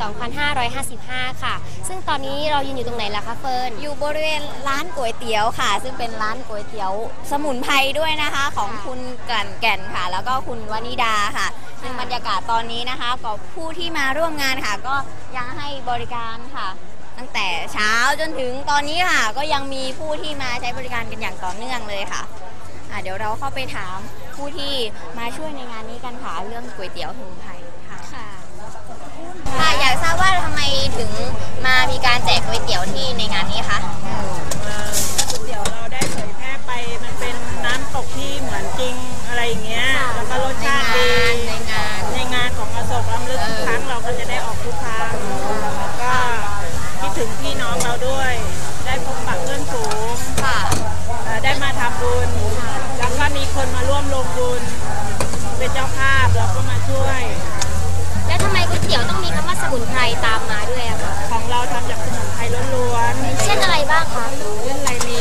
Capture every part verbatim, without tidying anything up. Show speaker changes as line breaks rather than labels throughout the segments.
สองพันห้าร้อยห้าสิบห้า ค่ะ ซึ่งตอนนี้เรายืนอยู่ตรงไหนล่ะคะเฟิร์น
อยู่บริเวณร้านก๋วยเตี๋ยวค่ะซึ่งเป็นร้านก๋วยเตี๋ยวสมุนไพรด้วยนะคะของคุณกลั่นแก่นค่ะแล้วก็คุณวนิดาค่ะซึ่งบรรยากาศตอนนี้นะคะกับผู้ที่มาร่วมงานค่ะก็ยังให้บริการค่ะตั้งแต่เช้าจนถึงตอนนี้ค่ะก็ยังมีผู้ที่มาใช้บริการกันอย่างต่อเนื่องเลยค่ะอ่ะเดี๋ยวเราเข้าไปถามผู้ที่มาช่วยในงานนี้กันค่ะเรื่องก๋วยเตี๋ยวสมุนไพรค่ะค่ะอยากทราบว่าทำไมถึงมามีการแจกก๋วยเตี๋ยวที่ในงานนี้คะ
ก๋วยเตี๋ยวเราได้เผยแพร่ไปมันเป็นน้ำตกที่เหมือนจริงอะไรอย่างเงี้ยแล้วก็รสชาติดี
ในงาน
ในงานของอโศกล้ำลึกทุกครั้งเราก็จะได้ออกทุกครั้งแล้วก็คิดถึงพี่น้องเราด้วยได้พบปะเพื่อนฝูงได้มาทำบุญแล้วก็มีคนมาร่วมลงบุญเป็นเจ้าภาพเราก็มาช่วย
แล้วทำไมก๋วยเตี๋ยวต้องมีคำว่าสมุนไพรตามมาด้วยอะคะ
ของเราทำจากสมุนไพรล้วน
ๆเช่นอะไรบ้างคะ
เช่นอะไรมี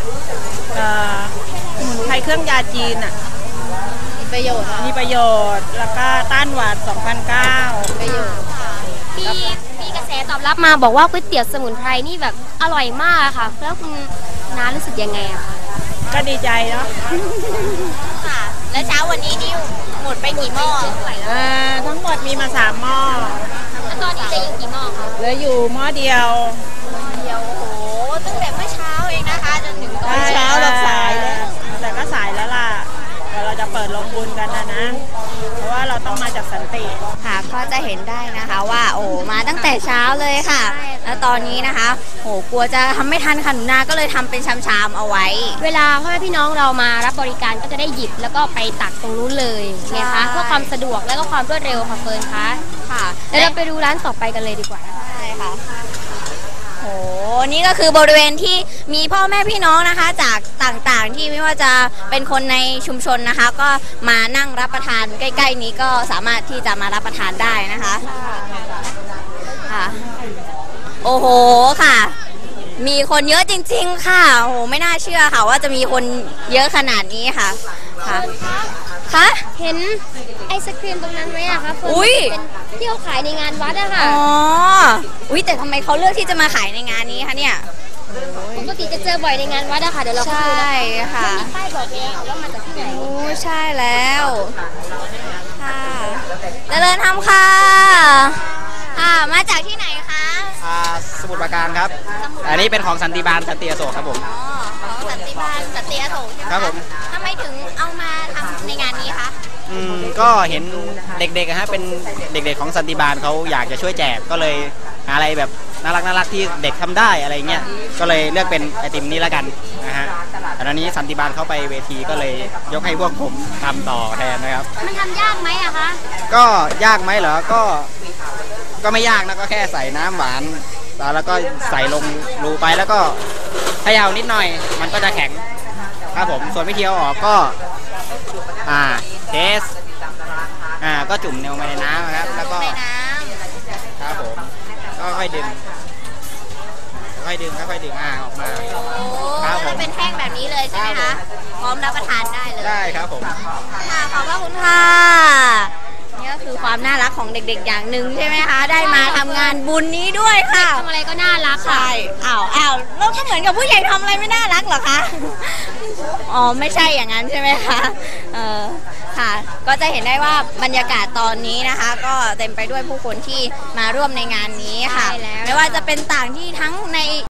สมุนไพรเครื่องยาจีนอ่ะ
มีประโยชน์
มีประโยชน์แล้วก็ต้านหวัดสองพันเก้า
ประโยชน์
มีมีกระแสตอบรับมาบอกว่าก๋วยเตี๋ยวสมุนไพรนี่แบบอร่อยมากค่ะแล้วคุณน้ารู้สึกยังไงอะคะ
ก็ดีใจเนาะ
ค่ะแล้วเช้าวันนี้นี่หมดไปกี่หม้อ
ทั้งหมดมีมาสามหม้อ
แล้วตอนนี้จะอยู่กี่หม้อคะ
เหลืออยู่หม้อเดียว
เดียวโอ้โหตั้งแต่เมื่อเช้าเองนะคะจนถึงตอนเช้าเราสายแล้ว
แต่ก็สายแล้วล่ะเดี๋ยวเราจะเปิดลงบุญกันนะนะเพราะว่าเราต้องมาจากสันติ
ค่ะก็จะเห็นได้นะคะว่าโอ้มาตั้งแต่เช้าเลยค่ะแล้วตอนนี้นะคะโอ้กลัวจะทำไม่ทันค่ะหนูนาก็เลยทำเป็นชามๆเอาไว้
เวลาพ่อแม่พี่น้องเรามารับบริการก็จะได้หยิบแล้วก็ไปตักตรงนู้นเลยนะคะเพื่อความสะดวกและก็ความรวดเร็วค่ะเฟิร์นคะค่ะเดี๋ยวเราไปดูร้านต่อไปกันเลยดีกว่า
ใช่ค่ะโอ้นี่ก็คือบริเวณที่มีพ่อแม่พี่น้องนะคะจากต่างๆที่ไม่ว่าจะเป็นคนในชุมชนนะคะก็มานั่งรับประทานใกล้ๆนี้ก็สามารถที่จะมารับประทานได้นะคะค่ะโอ้โหค่ะมีคนเยอะจริงๆค่ะโอ้โหไม่น่าเชื่อค่ะว่าจะมีคนเยอะขนาดนี้ค่ะค่ะคะ
เห็นไอศครีมตรงนั้นไหมอะคะเฟิร์นเป็นที่เขาขายในงานวัดอะค่ะ
อ๋ออุ้ยแต่ทำไมเขาเลือกที่จะมาขายในงานนี้คะเนี่ย
ปกติจะเจอบ่อยในงานวัดอะค่ะเดี๋ยวเรา
ใช่ค่ะ
มีป้ายบอกเลยว่ามาจากที่ไหน
โอ้ใช่แล้วค่ะเจริญธรรมค่ะค่ะมาจากที่ไหนคะ
สมุทรปราการครับอันนี้เป็นของสันติบาลสันติอโศกครับผม
อ๋อของสันติบาลสันติอโศกใช่ไหม
ครับผม
ทำไมถึงเอามาทำในงานนี้คะ
อืมก็เห็นเด็กๆฮะเป็นเด็กๆของสันติบาลเขาอยากจะช่วยแจกก็เลยหาอะไรแบบน่ารักน่ารักที่เด็กทำได้อะไรเงี้ยก็เลยเลือกเป็นไอติมนี้แล้วกันนะฮะแต่ตอนนี้สันติบาลเข้าไปเวทีก็เลยยกให้พวกผมทำต่อแทนนะครับ
มันทำยากไหมอะคะ
ก็ยากไหมเหรอก็ก็ไม่ยากนะก็แค่ใส่น้ำหวานแล้วก็ใส่ลงรูไปแล้วก็เขย่านิดหน่อยมันก็จะแข็งครับผมส่วนวิธีเอาออกก็อ่าเทสอ่าก็จุ่มลงไปในน้ำครับแล้วก็ครับผมก็ค่อยดึงค่อยดึงค่อยดึงอ่าออกมา
ครับผมเป็นแท่งแบบนี้เลยใช่ไหมคะพร้อมรับประทานได้เลย
ได้ครับผม
ค่ะขอบพระคุณค่ะนี่ก็คือความน่ารักของเด็กๆอย่างหนึ่งใช่ไหมคะได้มาทำงานบุญนี้ด้วยค่ะ
ทำอะไรก็น่ารักค่ะ
อ้าวอ้าวเราก็เหมือนกับผู้ใหญ่ทำอะไรไม่น่ารักเหรอคะอ๋อไม่ใช่อย่างนั้นใช่ไหมคะเออค่ะก็จะเห็นได้ว่าบรรยากาศตอนนี้นะคะก็เต็มไปด้วยผู้คนที่มาร่วมในงานนี้ค่ะไม่ว่าจะเป็นต่างที่ทั้งใน